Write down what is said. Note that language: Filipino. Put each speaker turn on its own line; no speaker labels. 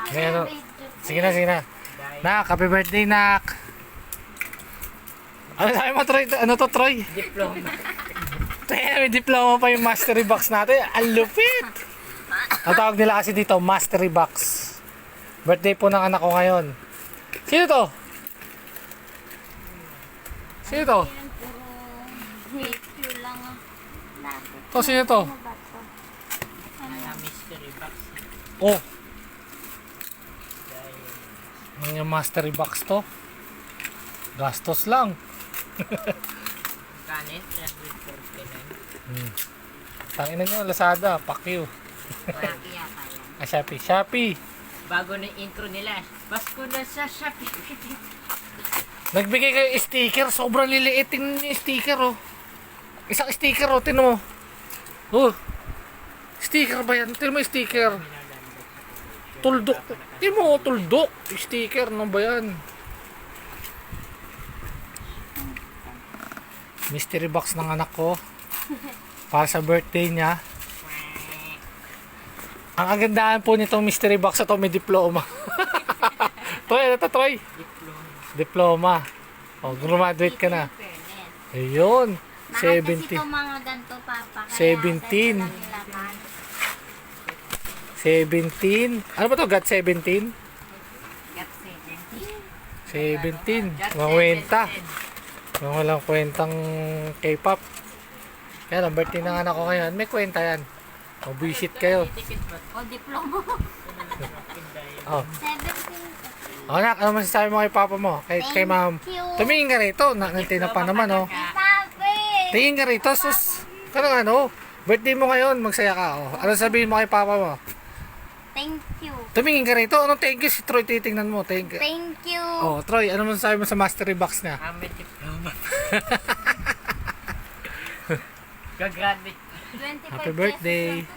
Ngayon, sige na, sige na. Nak, happy birthday, Nak. Ano sabi mo, Troy? Ano to, Troy?
Diploma.
May diploma pa yung mastery box natin. Ang lupit! Ang tawag nila kasi dito, mastery box. Birthday po ng anak ko ngayon. Sino to? Sino to?
Picture lang ah. Dati.
To, sino to?
Ano ba to?
Kaya mystery box.
Oh. Ano yung mastery box to? Gastos lang.
Kanin, 349.
Tangina nyo, Lazada, pakyo.
Lagi yata yan.
Shopee, Shopee.
Bago na intro nila. Basko na sa Shopee.
Nagbigay kayo sticker, sobrang liliit. Tingnan niyo yung sticker, oh. Isang sticker, oh, tingnan mo. Oh. Sticker ba yan? Tingnan mo yung sticker. Tuldok. Tingnan mo, oh, tuldok. Sticker, ano ba yan? Mystery box ng anak ko. Para sa birthday niya. Ang kagandahan po nitong mystery box ito, may diploma. Troy, ano to, Troy? Diploma. O, graduate ka na. Ayun.
Mahal kasi
17.
itong mga ganito, Papa.
17. 17. Ano ba to? Got 17? 17. Mga kwenta. Mga walang kwentang K-pop. Kaya ang birthday ng anak ko ngayon, may kwenta yan. O, visit kayo.
O, diploma.
O,
17.
anak, ano masasabi mo kay papa mo? Kay ma'am?
you.
Tumingin ka rito. Nakantay na pa naman, oh.
Papi!
Tingin ka rito, sus. Kanang ano, birthday mo ngayon, magsaya ka. Oh. Ano sabihin mo kay papa mo?
Thank you.
Tumingin ka rito. Anong thank you si Troy? Titingnan mo. Thank you.
Thank you.
Oh, Troy, ano masasabi mo sa mastery box niya?
May diploma. Gagraduate.
25
Happy birthday.
pesos lang